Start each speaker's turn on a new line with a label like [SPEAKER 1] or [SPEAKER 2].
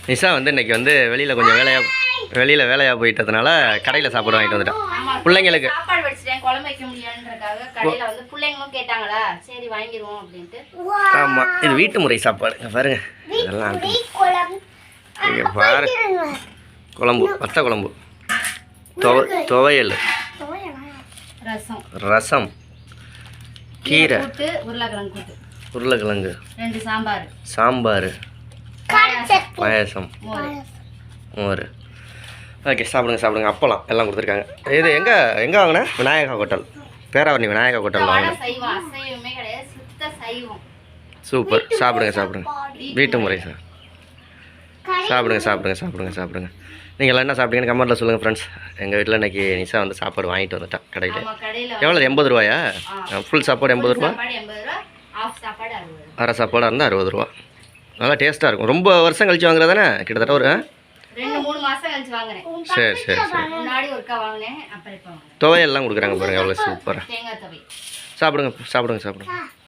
[SPEAKER 1] நிஷா வந்து இன்றைக்கி வந்து வெளியில் வேலையாக போயிட்டதுனால கடையில் சாப்பாடு வாங்கிட்டு வந்துட்டேன் பிள்ளைங்களுக்கு.
[SPEAKER 2] சாப்பாடு வச்சுட்டேன், குழம்பு வைக்க முடியாதுன்றதுக்காக கடையில் வந்து பிள்ளைங்களும் கேட்டாங்களா, சரி வாங்கிடுவோம் அப்படின்ட்டு.
[SPEAKER 1] ஆமாம், இது வீட்டு முறை சாப்பாடு பாருங்க. இதெல்லாம் இங்கே பாரு, குழம்பு, வத்த குழம்பு, துவையல், ரசம், கீரை, உருளைக்கிழங்கு,
[SPEAKER 2] 2
[SPEAKER 1] சாம்பார், பாயாசம், மோர். ஓகே, சாப்பிடுங்க. அப்பளம் எல்லாம் கொடுத்துருக்காங்க. இது எங்கே வாங்கினேன்? விநாயகா ஹோட்டல், பேராவரணி விநாயகா ஹோட்டல் வாங்கினேன். சூப்பர். சாப்பிடுங்க. வீட்டு முறை சார். சாப்பிடுங்க. நீங்கள் எல்லாம் என்ன சாப்பிட்டீங்கன்னு கமெண்ட்டில் சொல்லுங்கள் ஃப்ரெண்ட்ஸ். எங்கள் வீட்டில் இன்றைக்கி நிஷா வந்து சாப்பாடு வாங்கிட்டு வந்துட்டான் கடையில். எவ்வளோ? 80 ரூபாயா? ஃபுல் சாப்பாடு 80 ரூபா, அரை சாப்பாடாக இருந்தால் 60 ரூபா. நல்லா டேஸ்ட்டாக இருக்கும். ரொம்ப வருஷம் கழிச்சு வாங்குறதானே? கிட்டத்தட்ட ஒரு
[SPEAKER 2] 2-3 மாதம் கழிச்சு வாங்குறேன்.
[SPEAKER 1] சரி.
[SPEAKER 2] முன்னாடி ஒருக்கா வாங்கினேன், அப்புறம் இப்போ வாங்கினேன்.
[SPEAKER 1] துவையெல்லாம் கொடுக்குறாங்க பாருங்கள், எவ்வளோ சூப்பராக.
[SPEAKER 2] தேங்காய் துவை.
[SPEAKER 1] சாப்பிடுங்க.